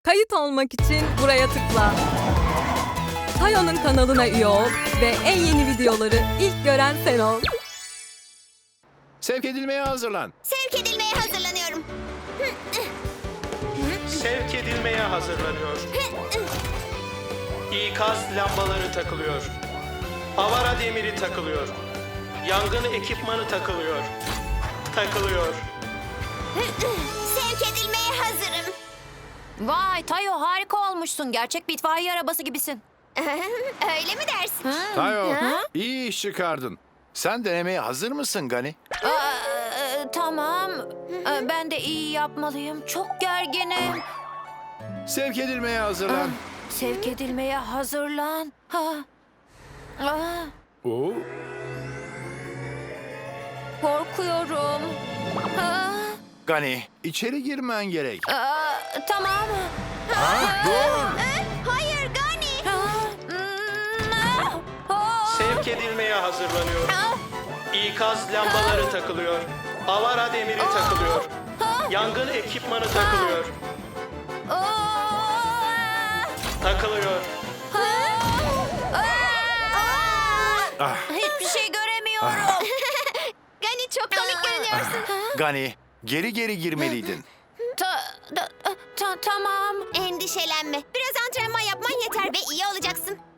Kayıt olmak için buraya tıkla. Tayo'nun kanalına üye ol ve en yeni videoları ilk gören sen ol. Sevk edilmeye hazırlan. Sevk edilmeye hazırlanıyorum. Sevk edilmeye hazırlanıyor. İkaz lambaları takılıyor. Avara demiri takılıyor. Yangın ekipmanı takılıyor. Takılıyor. Sevk edilmeye hazırım. Vay Tayo, harika olmuşsun. Gerçek bir itfaiye arabası gibisin. Öyle mi dersin? Tayo, iyi iş çıkardın. Sen denemeye hazır mısın Gani? Tamam. Ben de iyi yapmalıyım. Çok gerginim. Sevk edilmeye hazırlan. Sevk edilmeye hazırlan. Oo, Korkuyorum. Gani, içeri girmen gerek. Tamam. Dur! Hayır Gani. Sevk edilmeye hazırlanıyor. İkaz lambaları takılıyor. Avara demiri takılıyor. Yangın ekipmanı takılıyor. Takılıyor. Hiçbir şey göremiyorum. Gani çok komik görünüyorsun. Gani, geri girmeliydin. Tamam. Endişelenme. Biraz antrenman yapman yeter ve iyi olacaksın.